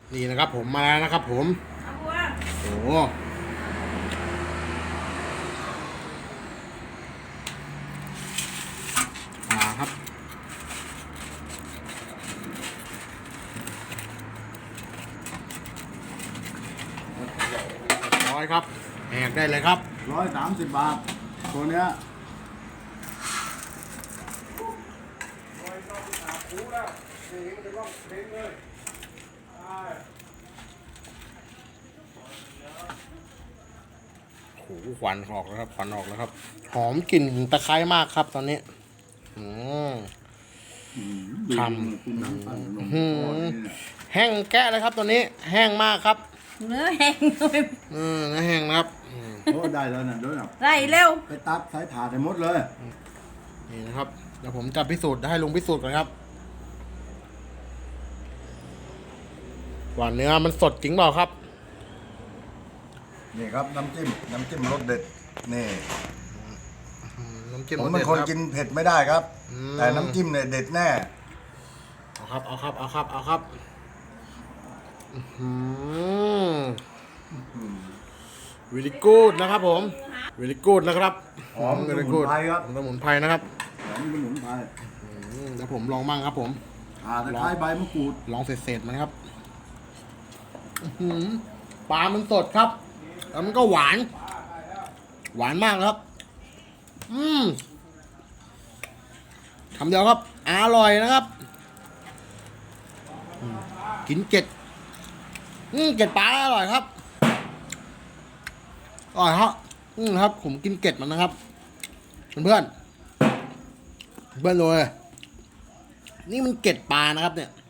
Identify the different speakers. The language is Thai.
Speaker 1: นี่นะครับผมมาแล้วนะครับผมโอ้ครับร้อยครับแหกได้เลยครับ
Speaker 2: 130 บาทตัวเนี้ย
Speaker 1: โอ้โหควันออกแล้วครับควันออกแล้วครับหอมกลิ่นตะไคร้มากครับตอนนี้ทำแห้งแกะเลยครับตัวนี้แห้งมากครับ
Speaker 3: เนื้อแห้งเลย
Speaker 1: เนื้อแห้งนะครับ
Speaker 2: โอ้ได้แล้วนะด้วยนะ
Speaker 3: ไรเร็ว
Speaker 2: ไปตัดสายถาดให้หมดเลย
Speaker 1: นี่นะครับเดี๋ยวผมจะพิสูจน์ให้ลุงพิสูจน์ก่อนครับว่าเนื้อมันสดจริงเปล่าครับ
Speaker 2: นี่ครับน้ำจิ้มรสเด็ดนี่
Speaker 1: น้ำจิ้ม
Speaker 2: ผมเป็นคนกินเผ็ดไม่ได้ครับแต่น้ำจิ้มเนี่ยเด็ดแน่
Speaker 1: เอาครับวิลิกูดนะครับผมวิลิกูดนะครับ
Speaker 2: หอมสมุนไพรครับ
Speaker 1: สมุนไพรนะครับ
Speaker 2: หอมสมุนไพร
Speaker 1: เดี๋ยวผมลองมั่งครับผม
Speaker 2: ตะไคร้ใบมะกรูด
Speaker 1: ลองเศษมันครับปลามันสดครับแล้วมันก็หวานมากครับคำเดียวครับอร่อยนะครับกินเกล็ดเกล็ดปลาอร่อยครับอร่อยครับผมกินเกล็ดมันนะครับเพื่อนเลยนี่มันเกล็ดปลานะครับเนี่ย